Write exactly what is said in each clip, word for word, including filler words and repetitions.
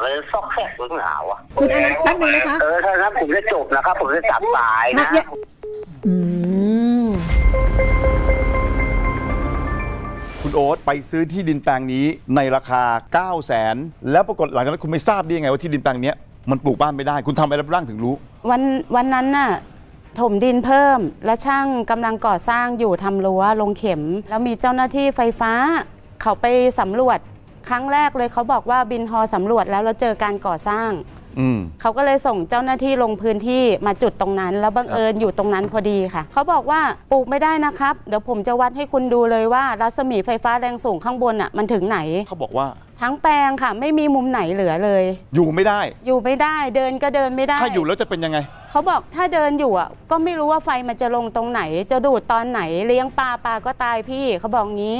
เลยซอกแซกหรือหนาวอ่ะคุณอนันต์แป๊บนึงนะคะเออถ้างั้นผมจะจบนะครับผมจะจับสายนะอืมคุณโอ๊ตไปซื้อที่ดินแปลงนี้ในราคา เก้าแสน แล้วปรากฏหลังจากนั้นคุณไม่ทราบได้ยังไงว่าที่ดินแปลงนี้มันปลูกบ้านไม่ได้คุณทำอะไรบ้างถึงรู้วันวันนั้นน่ะถมดินเพิ่มและช่างกำลังก่อสร้างอยู่ทำรั้วลงเข็ม แล้วมีเจ้าหน้าที่ไฟฟ้าเขาไปสำรวจครั้งแรกเลยเขาบอกว่าบินฮอสำรวจแล้วเราเจอการก่อสร้างเขาก็เลยส่งเจ้าหน้าที่ลงพื้นที่มาจุดตรงนั้นแล้วบังเอิญอยู่ตรงนั้นพอดีค่ะเขาบอกว่าปลูกไม่ได้นะครับเดี๋ยวผมจะวัดให้คุณดูเลยว่ารัศมีไฟฟ้าแรงสูงข้างบนอ่ะมันถึงไหนเขาบอกว่าทั้งแปลงค่ะไม่มีมุมไหนเหลือเลยอยู่ไม่ได้อยู่ไม่ได้เดินก็เดินไม่ได้ถ้าอยู่แล้วจะเป็นยังไงเขาบอกถ้าเดินอยู่อ่ะก็ไม่รู้ว่าไฟมันจะลงตรงไหนจะดูดตอนไหนเลี้ยงปลาปลาก็ตายพี่เขาบอกงี้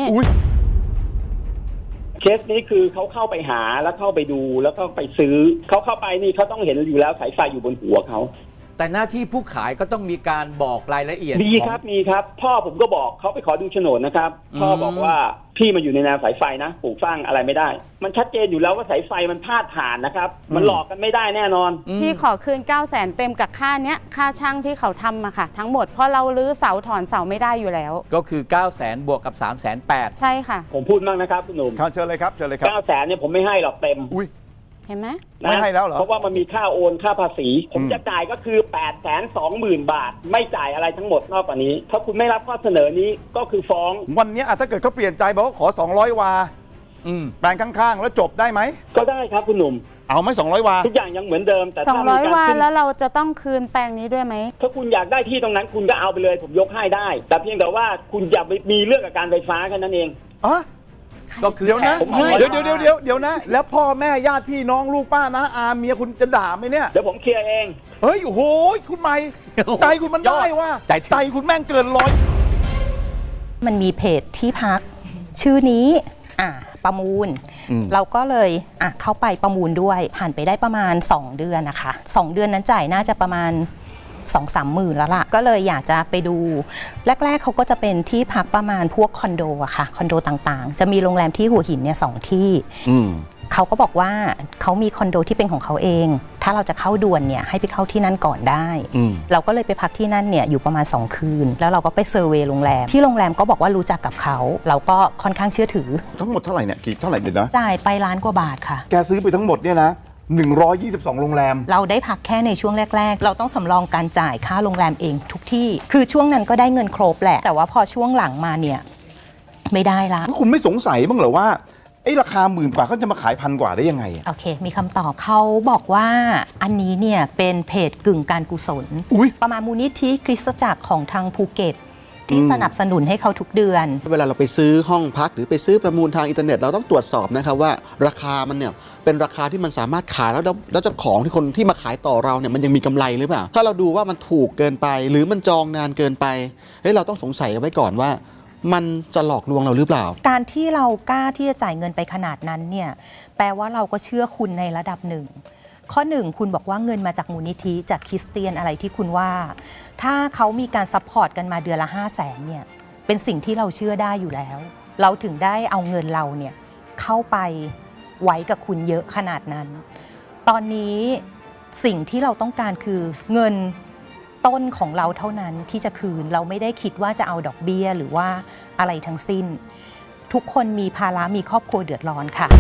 เคสนี้คือเขาเข้าไปหาแล้วเข้าไปดูแล้วก็ไปซื้อเขาเข้าไปนี่เขาต้องเห็นอยู่แล้วสายไฟอยู่บนหัวเขาแต่หน้าที่ผู้ขายก็ต้องมีการบอกรายละเอียดมีครับมีครับพ่อผมก็บอกเขาไปขอดูโฉนดนะครับพ่อบอกว่าพี่มาอยู่ในแนวสายไฟนะปลูกสร้างอะไรไม่ได้มันชัดเจนอยู่แล้วว่าสายไฟมันพาดผ่านนะครับมันหลอกกันไม่ได้แน่นอนพี่ขอคืน เก้าแสน เต็มกับค่าเนี้ยค่าช่างที่เขาทำมาค่ะทั้งหมดเพราะเราลื้อเสาถอนเสาไม่ได้อยู่แล้วก็คือ เก้าแสน บวกกับ สามแสนแปดใช่ค่ะผมพูดบ้างนะครับคุณหนุ่มเชิญเลยครับเชิญเลยครับเก้าแสนเนี่ยผมไม่ให้หรอกเต็มอุ้ยเห็นไหมไม่ให้แล้วเหรอเพราะว่ามันมีค่าโอนค่าภาษีผมจะจ่ายก็คือ แปดแสนสองหมื่น บาทไม่จ่ายอะไรทั้งหมดนอกจากนี้ถ้าคุณไม่รับข้อเสนอนี้ก็คือฟ้องวันนี้ถ้าเกิดเขาเปลี่ยนใจบอกว่าขอสองร้อยวาแปลงข้างๆแล้วจบได้ไหมก็ได้ครับคุณหนุ่มเอาไหมสองร้อยวาทุกอย่างยังเหมือนเดิมแต่สองร้อยวาแล้วเราจะต้องคืนแปลงนี้ด้วยไหมถ้าคุณอยากได้ที่ตรงนั้นคุณก็เอาไปเลยผมยกให้ได้แต่เพียงแต่ว่าคุณอย่าไปมีเรื่องกับการไฟฟ้าแค่นั้นเองอ๋อก็คือเดี๋ยวนะเดี๋ยวเดี๋ยวเดี๋ยวเดี๋ยวเดี๋ยวนะแล้วพ่อแม่ญาติพี่น้องลูกป้านะอาเมียคุณจะด่าไหมเนี่ยเดี๋ยวผมเคลียร์เองเฮ้ยโอ้โหคุณใหม่ใจคุณมันได้ว่าใจคุณแม่งเกินร้อยมันมีเพจที่พักชื่อนี้อ่ะประมูลเราก็เลยอ่ะเข้าไปประมูลด้วยผ่านไปได้ประมาณสองเดือนนะคะสองเดือนนั้นจ่ายน่าจะประมาณสองสามหมื่นแล้วล่ะก็เลยอยากจะไปดูแรกๆเขาก็จะเป็นที่พักประมาณพวกคอนโดอะค่ะคอนโดต่างๆจะมีโรงแรมที่หัวหินเนี่ยสองที่เขาก็บอกว่าเขามีคอนโดที่เป็นของเขาเองถ้าเราจะเข้าด่วนเนี่ยให้ไปเข้าที่นั่นก่อนได้เราก็เลยไปพักที่นั่นเนี่ยอยู่ประมาณสองคืนแล้วเราก็ไปเซอร์เวย์โรงแรมที่โรงแรมก็บอกว่ารู้จักกับเขาเราก็ค่อนข้างเชื่อถือทั้งหมดเท่าไหร่เนี่ยกี่เท่าไหร่เดี๋ยวนะจ่ายไปล้านกว่าบาทค่ะแกซื้อไปทั้งหมดเนี่ยนะหนึ่งร้อยยี่สิบสองโรงแรมเราได้พักแค่ในช่วงแรกๆเราต้องสำรองการจ่ายค่าโรงแรมเองทุกที่คือช่วงนั้นก็ได้เงินครบแหละแต่ว่าพอช่วงหลังมาเนี่ยไม่ได้ละคุณไม่สงสัยบ้างเหรอว่าไอ้ราคาหมื่นกว่าเขาจะมาขายพันกว่าได้ยังไงโอเคมีคำตอบเขาบอกว่าอันนี้เนี่ยเป็นเพจกึ่งการกุศลประมาณมูลนิธิคริสตจักรของทางภูเก็ตที่สนับสนุนให้เขาทุกเดือนเวลาเราไปซื้อห้องพักหรือไปซื้อประมูลทางอินเทอร์เน็ตเราต้องตรวจสอบนะครับว่าราคามันเนี่ยเป็นราคาที่มันสามารถขายแล้วแล้วเจ้าของที่คนที่มาขายต่อเราเนี่ยมันยังมีกำไรหรือเปล่าถ้าเราดูว่ามันถูกเกินไปหรือมันจองนานเกินไปเฮ้ยเราต้องสงสัยไว้ก่อนว่ามันจะหลอกลวงเราหรือเปล่าการที่เรากล้าที่จะจ่ายเงินไปขนาดนั้นเนี่ยแปลว่าเราก็เชื่อคุณในระดับหนึ่งข้อหนึ่งคุณบอกว่าเงินมาจากมูลนิธิจากคริสเตียนอะไรที่คุณว่าถ้าเขามีการซัพพอร์ตกันมาเดือนละห้าแสนเนี่ยเป็นสิ่งที่เราเชื่อได้อยู่แล้วเราถึงได้เอาเงินเราเนี่ยเข้าไปไว้กับคุณเยอะขนาดนั้นตอนนี้สิ่งที่เราต้องการคือเงินต้นของเราเท่านั้นที่จะคืนเราไม่ได้คิดว่าจะเอาดอกเบี้ยหรือว่าอะไรทั้งสิ้นทุกคนมีภาระมีครอบครัวเดือดร้อนค่ะ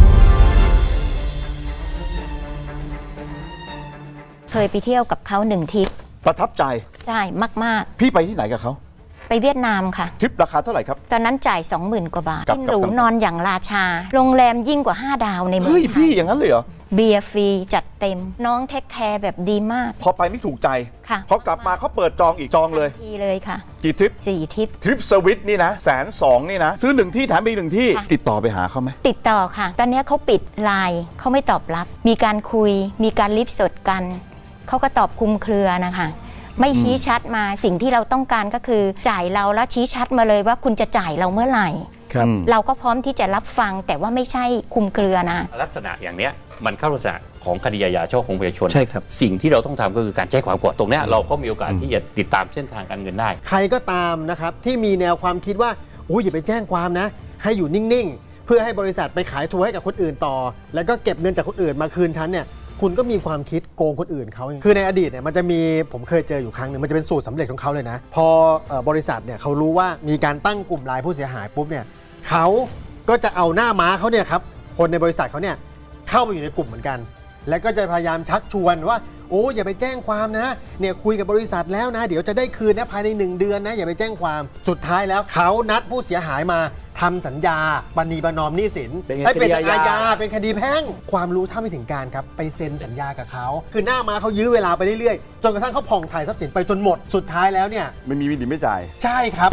เคยไปเที่ยวกับเขาหนึ่งทริปประทับใจใช่มากๆพี่ไปที่ไหนกับเขาไปเวียดนามค่ะทริปราคาเท่าไหร่ครับตอนนั้นจ่าย สองหมื่น กว่าบาทกินหรูนอนอย่างราชาโรงแรมยิ่งกว่าห้าดาวในเมืองไทยเฮ้ยพี่อย่างนั้นเลยเหรอเบียร์ฟรีจัดเต็มน้องเทคแคร์แบบดีมากพอไปไม่ถูกใจค่ะพอกลับมาเขาเปิดจองอีกจองเลยทีเลยค่ะกี่ทริปสี่ทริปทริปสวิตนี่นะแสนสองนี่นะซื้อหนึ่งที่แถมไปหนึ่งที่ติดต่อไปหาเขาไหมติดต่อค่ะตอนนี้เขาปิดไลน์เขาไม่ตอบรับมีการคุยมีการลิฟต์สดกันเขาก็ตอบคลุมเครือนะคะไม่ชี้ชัดมาสิ่งที่เราต้องการก็คือจ่ายเราแล้วชี้ชัดมาเลยว่าคุณจะจ่ายเราเมื่อไหร่เราก็พร้อมที่จะรับฟังแต่ว่าไม่ใช่คลุมเครือนะลักษณะอย่างเนี้ยมันเข้าลักษณะของคดีอาญาช่อโกงประชาชนใช่ครับสิ่งที่เราต้องทำก็คือการแจ้งความก่อนตรงนี้เราก็มีโอกาสที่จะติดตามเส้นทางการเงินได้ใครก็ตามนะครับที่มีแนวความคิดว่าโอ้ยอย่าไปแจ้งความนะให้อยู่นิ่งๆเพื่อให้บริษัทไปขายทัวร์ให้กับคนอื่นต่อ แล้วก็เก็บเงินจากคนอื่นมาคืนฉันเนี่ยคุณก็มีความคิดโกงคนอื่นเขาคือในอดีตเนี่ยมันจะมีผมเคยเจออยู่ครั้งหนึ่งมันจะเป็นสูตรสำเร็จของเขาเลยนะพอเอ่อบริษัทเนี่ยเขารู้ว่ามีการตั้งกลุ่มไลน์ผู้เสียหายปุ๊บเนี่ยเขาก็จะเอาหน้าม้าเขาเนี่ยครับคนในบริษัทเขาเนี่ยเข้าไปอยู่ในกลุ่มเหมือนกัน แล้วก็จะพยายามชักชวนว่าโอ้อย่าไปแจ้งความนะเนี่ยคุยกับบริษัทแล้วนะเดี๋ยวจะได้คืนนะภายในหนึ่งเดือนนะอย่าไปแจ้งความสุดท้ายแล้วเขานัดผู้เสียหายมาทำสัญญาปณีประนอมหนี้สินให้เป็นอาญาเป็นคดีแพ่งความรู้เท่าไม่ถึงการครับไปเซ็นสัญญากับเขาคือหน้ามาเขายื้อเวลาไปเรื่อยๆจนกระทั่งเขาผ่องถ่ายทรัพย์สินไปจนหมดสุดท้ายแล้วเนี่ยไม่มีวิธีไม่จ่ายใช่ครับ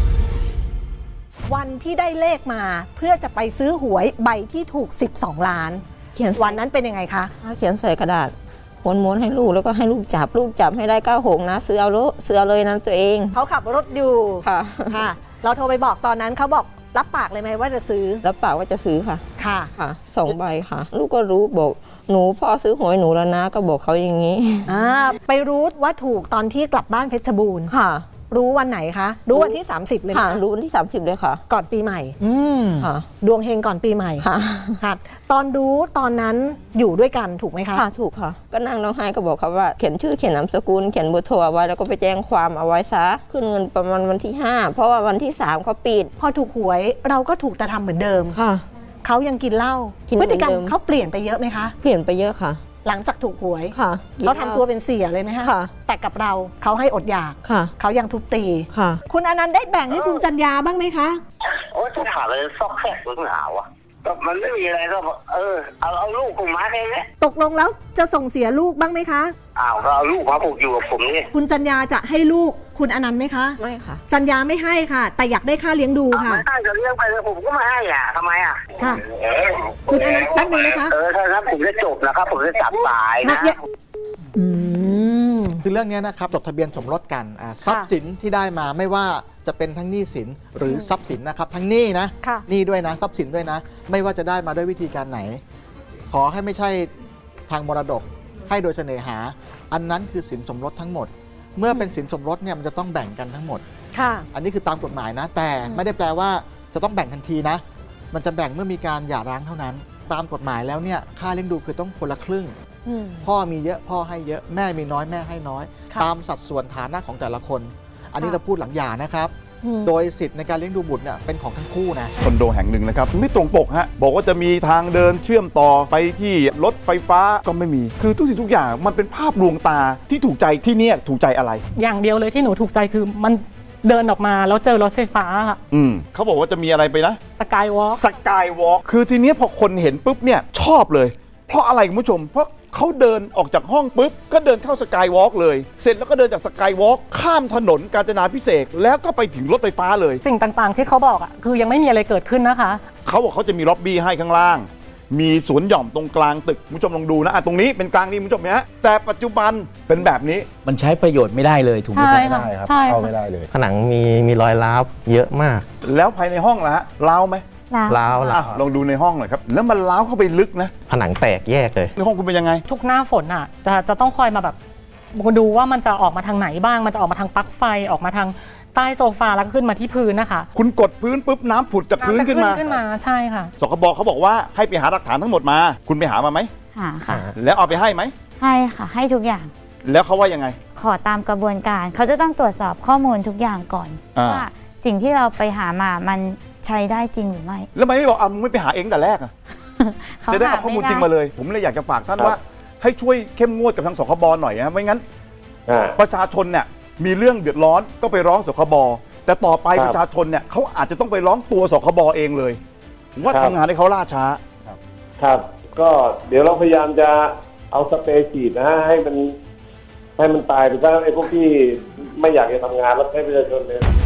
วันที่ได้เลขมาเพื่อจะไปซื้อหวยใบที่ถูกสิบสองล้านเขียนวันนั้นเป็นยังไงคะเขียนใส่กระดาษม้วนๆให้ลูกแล้วก็ให้ลูกจับลูกจับให้ได้เก้าหกนะซื้อเอาเลยซื้อเอาเลยนะตัวเองเขาขับรถอยู่ค่ะค่ะเราโทรไปบอกตอนนั้นเขาบอกรับปากเลยไหมว่าจะซื้อรับปากว่าจะซื้อค่ะค่ะค่ะสองใบค่ะลูกก็รู้บอกหนูพ่อซื้อหวยหนูแล้วนะก็บอกเขาอย่างนี้อ่าไปรู้ว่าถูกตอนที่กลับบ้านเพชรบูรณ์ค่ะรู้วันไหนคะรู้วันที่สามสิบเลยค่ะรู้วันที่สามสิบเลยค่ะก่อนปีใหม่อืมค่ะดวงเฮงก่อนปีใหม่ค่ะค่ะตอนรู้ตอนนั้นอยู่ด้วยกันถูกไหมคะค่ะถูกค่ะก็นั่งร้องไห้ก็บอกเขาว่าเขียนชื่อเขียนนามสกุลเขียนเบอร์โทรเอาไว้แล้วก็ไปแจ้งความเอาไว้ซะขึ้นเงินประมาณวันที่ห้าเพราะว่าวันที่สามเขาปิดพอถูกหวยเราก็ถูกแต่ทำเหมือนเดิมค่ะเขายังกินเหล้าพฤติกรรมเขาเปลี่ยนไปเยอะไหมคะเปลี่ยนไปเยอะค่ะหลังจากถูกหวยค่ะเขาทำตัวเป็นเสียเลยไหมคะแต่กับเราเขาให้อดอยากเขายังทุบตีค่ะคุณอนันต์ได้แบ่งให้คุณจัญญาบ้างไหมคะโอ้จะถามอะไรซอกแซกหรือหนาวอะก็มันไม่มีอะไรก็เออเอาเอาลูกผมมาแค่นี้ตกลงแล้วจะส่งเสียลูกบ้างไหมคะอ้าวก็เอาลูกมาผูกอยู่กับผมนี่คุณจัญญาจะให้ลูกคุณอนันต์ไหมคะไม่ค่ะจัญญาไม่ให้ค่ะแต่อยากได้ค่าเลี้ยงดูค่ะไม่ให้จะเลี้ยงไปเลยผมก็ไม่ให้อ่ะทำไมอ่ะค่ะคุณอนันต์แป๊บนึงนะคะเออถ้าครับผมจะจบนะครับผมจะจับสายนะอืมคือเรื่องนี้นะครับจดทะเบียนสมรสกันทรัพย์สินที่ได้มาไม่ว่าจะเป็นทั้งหนี้สินหรือทรัพย์สินนะครับทั้งหนี้นะหนี้ด้วยนะทรัพย์สินด้วยนะไม่ว่าจะได้มาด้วยวิธีการไหนขอให้ไม่ใช่ทางมรดกให้โดยเสน่หาอันนั้นคือสินสมรสทั้งหมดเมื่อเป็นสินสมรสเนี่ยมันจะต้องแบ่งกันทั้งหมดค่ะอันนี้คือตามกฎหมายนะแต่ไม่ได้แปลว่าจะต้องแบ่งทันทีนะมันจะแบ่งเมื่อมีการหย่าร้างเท่านั้นตามกฎหมายแล้วเนี่ยค่าเลี้ยงดูคือต้องคนละครึ่งพ่อมีเยอะพ่อให้เยอะแม่มีน้อยแม่ให้น้อยตามสัดส่วนฐานะของแต่ละคนอันนี้เราพูดหลังหย่านะครับโดยสิทธิ์ในการเลี้ยงดูบุตรเนี่ยเป็นของทั้งคู่นะคอนโดแห่งหนึ่งนะครับไม่ตรงปกฮะบอกว่าจะมีทางเดินเชื่อมต่อไปที่รถไฟฟ้าก็ไม่มีคือทุกสิ่งทุกอย่างมันเป็นภาพลวงตาที่ถูกใจที่เนี่ยถูกใจอะไรอย่างเดียวเลยที่หนูถูกใจคือมันเดินออกมาแล้วเจอรถไฟฟ้าอืมเขาบอกว่าจะมีอะไรไปนะสกายวอล์กสกายวอล์กคือทีเนี้ยพอคนเห็นปุ๊บเนี่ยชอบเลยเพราะอะไรคุณผู้ชมเพราะเขาเดินออกจากห้องปุ๊บก็เดินเข้าสกายวอล์กเลยเสร็จแล้วก็เดินจากสกายวอล์กข้ามถนนกาญจนาภิเษกแล้วก็ไปถึงรถไฟฟ้าเลยสิ่งต่างๆที่เขาบอกอ่ะคือยังไม่มีอะไรเกิดขึ้นนะคะเขาบอกเขาจะมีล็อบบี้ให้ข้างล่างมีสวนหย่อมตรงกลางตึกคุณผู้ชมลองดูนะอ่ะตรงนี้เป็นกลางนี่คุณผู้ชมนะแต่ปัจจุบันเป็นแบบนี้มันใช้ประโยชน์ไม่ได้เลยถูกไหมไม่ได้ครับเข้าไม่ได้เลยผนังมีมีรอยร้าวเยอะมากแล้วภายในห้องล่ะร้าวไหมล้าวล้าวลองดูในห้องหน่อยครับแล้วมันล้าวเข้าไปลึกนะผนังแตกแยกเลยในห้องคุณเป็นยังไงทุกหน้าฝนอ่ะจะจะต้องคอยมาแบบดูว่ามันจะออกมาทางไหนบ้างมันจะออกมาทางปลั๊กไฟออกมาทางใต้โซฟาแล้วก็ขึ้นมาที่พื้นนะคะคุณกดพื้นปุ๊บน้ำผุดจากพื้นขึ้นมาขึ้นมาใช่ค่ะสคบเขาบอกว่าให้ไปหาหลักฐานทั้งหมดมาคุณไปหามาไหมหาค่ะแล้วเอาไปให้ไหมให้ค่ะให้ทุกอย่างแล้วเขาว่ายังไงขอตามกระบวนการเขาจะต้องตรวจสอบข้อมูลทุกอย่างก่อนว่าสิ่งที่เราไปหามามันใช้ได้จริงหรือไม่แล้วทำไมไม่บอกอ่ะมึงไม่ไปหาเองแต่แรกอ่ะจะได้เอาข้อมูลจริงมาเลยผมเลยอยากจะฝากท่านว่าให้ช่วยเข้มงวดกับทางสคบหน่อยนะไม่งั้นประชาชนเนี่ยมีเรื่องเดือดร้อนก็ไปร้องสคบแต่ต่อไปประชาชนเนี่ยเขาอาจจะต้องไปร้องตัวสคบเองเลยว่าทำงานให้เขาล่าช้าครับก็เดี๋ยวเราพยายามจะเอาสเปรย์ฉีดนะให้มันให้มันตายไปซะไอ้พวกที่ไม่อยากจะทำงานแล้วให้ประชาชนเนี่ย